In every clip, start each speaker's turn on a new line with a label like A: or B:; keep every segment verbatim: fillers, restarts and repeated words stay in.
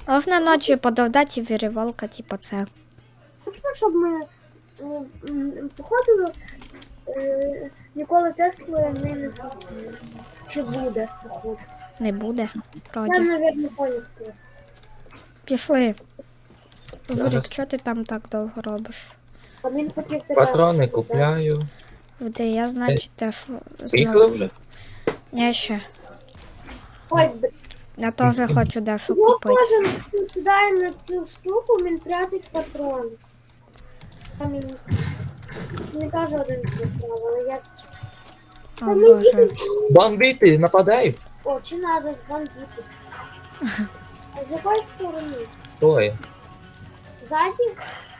A: Можна ночі подовдати і віріволка, типу це.
B: Хочемо, щоб ми м, м, походу е, ніколи Теслу не несемо. Чи буде, походу.
A: Не буде.
B: Там,
A: Вроді.
B: мабуть, поняв хтось.
A: Пішли. Журик,
C: Зараз.
A: що ти там так довго робиш?
B: А він хотів тебе.
C: Патрони купляю.
A: Де я, значить, теж
C: Приїхали
A: знову.
C: вже?
A: Я ще.
B: Ой, б-
A: Я теж хочу дещо
B: його
A: купити.
B: теж сідає на цю штуку, він прятить патрони. Там він не каже один прислав, але я...
A: О,
B: Та ми
A: Боже.
B: їдемо чи ні?
C: Бандити нападають.
B: О, чи надо збандитись? А з якої сторони?
C: Стой.
B: Ззаді?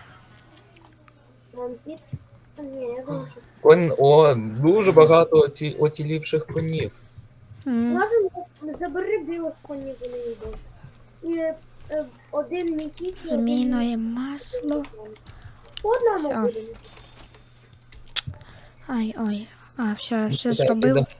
B: Бандит? А, ні, я думаю, що...
C: Кон... О, дуже багато оці... оцілівших конів.
A: М,
B: Можемо за- забери білих конів, вони йдуть. І е, один Нікіті,
A: Змійне масло.
B: По одному
A: Всьо.
B: будемо.
A: Ай, ой. А, все, я все
C: Іде,
A: зробив.
C: іде.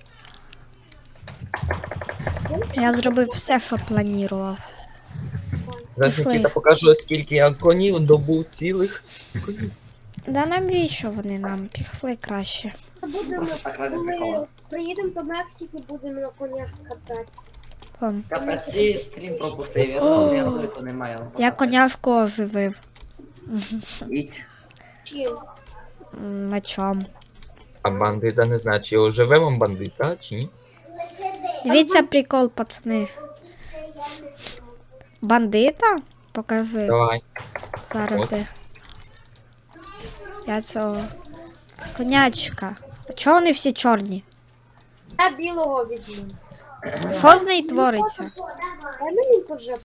A: Я зробив все, що планував.
C: Зараз
A: Пішли.
C: Нікіта покажу, скільки я конів добув цілих.
A: Да навіщо вони нам? Пішли краще.
B: Будемо,
D: так ради
B: коли
D: прикола.
B: приїдемо до Мексики, будемо на конях кататися.
A: Вон.
D: Капець, і стрім пропустив, я
A: О!
D: пам'ятаю, то немає. але
A: Я
D: покажу.
A: коняшку оживив.
D: Іть.
B: Чим?
A: М, Мечом.
C: А бандита не знаю, чи оживемо бандита, чи ні.
A: Дивіться прикол, пацани. Бандита? Покажи.
C: Давай.
A: Зараз
C: От.
A: де. Я цього. Конячка. А чого вони всі чорні?
B: Я білого візьму.
A: Що з нею твориться?
B: Дай мені вже